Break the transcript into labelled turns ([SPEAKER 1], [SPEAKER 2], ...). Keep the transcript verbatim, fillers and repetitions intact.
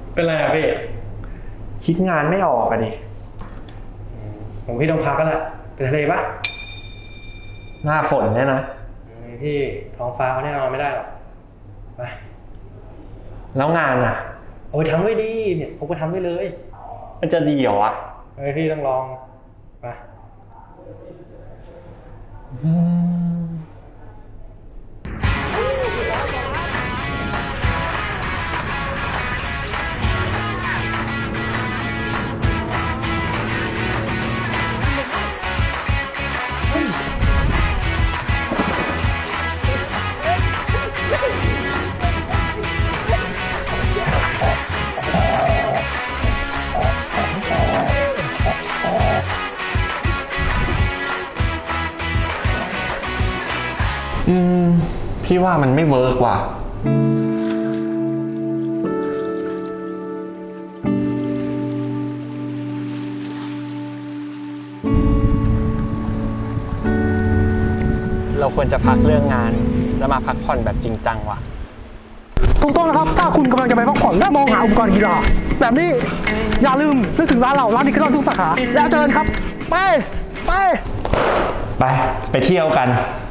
[SPEAKER 1] เป็นไรอะพี่
[SPEAKER 2] คิดงานไม่ออกอะดิ
[SPEAKER 1] ผมพี่ต้องพักก็แหละไปทะเลปะ
[SPEAKER 2] หน้าฝนเนี่ยนะ
[SPEAKER 1] พี่ท้องฟ้าเขาแน่นอนไม่ได้หรอกไป
[SPEAKER 2] แล้วงานอะ
[SPEAKER 1] โอ้ยทำไว้ดีเนี่ยผมก็ทำไว้เลย
[SPEAKER 2] มันจะดีเหรอวะ
[SPEAKER 1] เฮ้ยพี่ต้องลองไป
[SPEAKER 2] อืมอืมพี่ว่ามันไม่เวิร์กว่ะเราควรจะพักเรื่องงานแล้วมาพักผ่อนแบบจริงจังว่ะ
[SPEAKER 3] ถูกต้องนะครับถ้าคุณกำลังจะไปพักผ่อนและมองหาอุปกรณ์กีฬาแบบนี้อย่าลืมนึกถึงร้านเราร้านนี้ก็ต้องทุกสาขาแล้วเจอกันครับไปไป
[SPEAKER 2] ไปไปเที่ยวกัน